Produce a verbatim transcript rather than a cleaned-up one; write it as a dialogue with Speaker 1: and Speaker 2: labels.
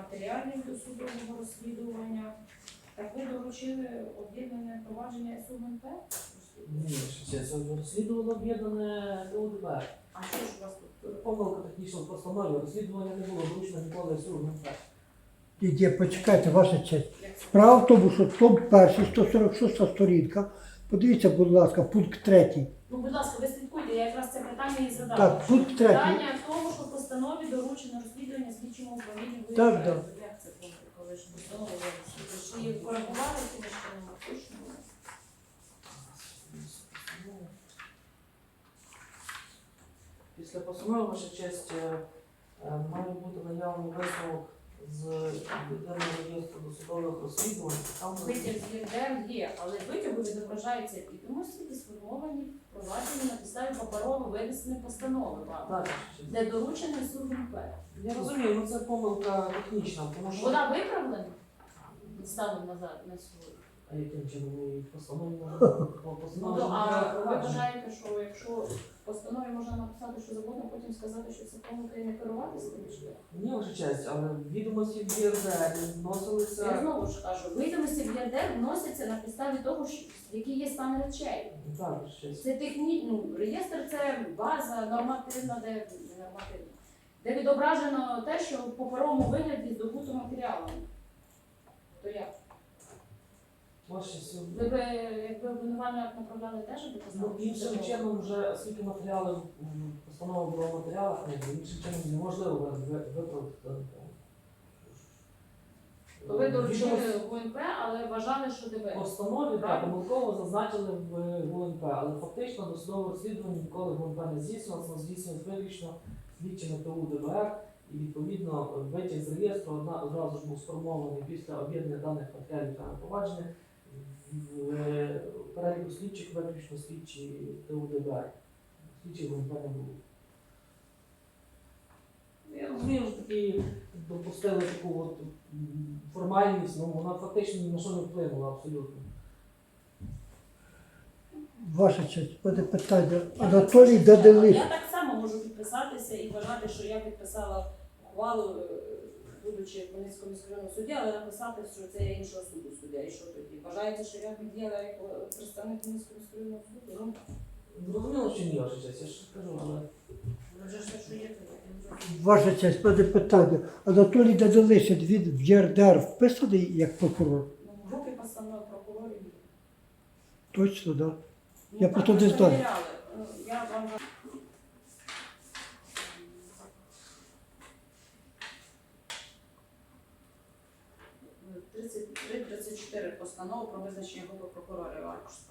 Speaker 1: матеріалів до судового розслідування. Так ви доручили об'єднане провадження ес у ем ен пе?
Speaker 2: Ні, що це розслідувало об'єднане Т У Д Б.
Speaker 1: А що ж у вас тут?
Speaker 2: Помилка технічна в постанові, розслідування не було вручено ніколи С У М П.
Speaker 3: Є, почекайте, ваша честь.
Speaker 1: Як це?
Speaker 3: Справа в тому, що том перший, сто сорок шоста сторінка. Подивіться, будь ласка, пункт третій.
Speaker 1: Ну, будь ласка, ви слідкуйте, я якраз це питання і задала.
Speaker 3: Так, пункт третій.
Speaker 1: Питання в тому, що в постанові доручено розслідування слідчому управлінню ВНП.
Speaker 3: Так, так.
Speaker 1: Як це було, коли ж постанова винесла? Ви ж її коригували, чи ви ще не точно?
Speaker 2: Після постанови, ваша честь, е, е, має бути наявний висновок з єдиного реєстру досудових розслідувань. Там
Speaker 1: Витяг з ЄРДР є, але витягу відображаються відомості, які сформовані проваджені на підставі паперово винесеної постанови вам,
Speaker 2: Так, ваша честь.
Speaker 1: де доручений С У М П.
Speaker 2: Я розумію, ну це помилка технічна, тому що...
Speaker 1: Вона виправлена станом назад на сьогодні.
Speaker 2: А яким чином ми її в постанові
Speaker 1: Ну,
Speaker 2: постанові
Speaker 1: то, а ви
Speaker 2: провадження?
Speaker 1: вважаєте, що якщо в постанові можна написати, що завгодно, потім сказати, що це помилка і не керуватися тим чи як?
Speaker 2: Ні, ваша честь, але відомості в Є Р Д
Speaker 1: Я
Speaker 2: вносилися...
Speaker 1: знову ж кажу, відомості в ЄРДР вносяться на підставі того, що- який є стан речей.
Speaker 2: Так, ваша честь.
Speaker 1: Це техні... ну, реєстр це база нормативна, де не нормативна, де відображено те, що в паперовому вигляді здобуто матеріалами. То як?
Speaker 2: Ваша честь,
Speaker 1: Ви б, якби обвинувальний акт направляли теж до
Speaker 2: ну,
Speaker 1: постанови?
Speaker 2: іншим чином вже, оскільки матеріали, м, постанова була в матеріалах, ну, іншим чином неможливо ви- ви- виправити дану помилку.
Speaker 1: То ви доручили
Speaker 2: Відомості
Speaker 1: в ГУНП, але вважали, що
Speaker 2: в
Speaker 1: ДБ.
Speaker 2: постанові так,
Speaker 1: Правильно.
Speaker 2: помилково зазначили в Г У Н П, але фактично досудове розслідування ніколи Г У Н П не здійснювалося, воно здійснювалося виключно слідчими Т У Д Б Р, і відповідно витяг з реєстру одна- одразу ж був сформований після об'єднання даних матеріалів та провадження. В е, переліку слідчих виключно слідчі Т У Д Б Р. Слідчих Г У Н П не було. Я розумію, що такі допустили таку от м, формальність, ну вона фактично ні на що не вплинула абсолютно.
Speaker 3: Ваша честь, буде питання. Анатолій Даделих.
Speaker 1: Я так само можу підписатися і вважати, що я підписала ухвалу, е, будучи в Хмельницькому міськрайонному суді, але написати, що це є іншого суду суддя. І що тоді? Вважаєте, що я піддіяла як е, представник Хмельницького міськрайонного суду? Ну,
Speaker 2: Зрозуміло, що ні, ваша честь, я ж кажу, але
Speaker 1: вже ж те, що є, то є. Я не розумію.
Speaker 3: Ваша честь, буде питання. Анатолій Даделишин, він в Є Р Д Р вписаний як прокурор?
Speaker 1: Ну, в групі постанов прокурорів є.
Speaker 3: Точно, так? Да?
Speaker 1: Ну,
Speaker 3: Я
Speaker 1: так
Speaker 3: просто
Speaker 1: ми
Speaker 3: не знаю.
Speaker 1: перевіряли. Ну, Я вам тридцять три тридцять чотири постанов про визначення групи прокурорів аркуш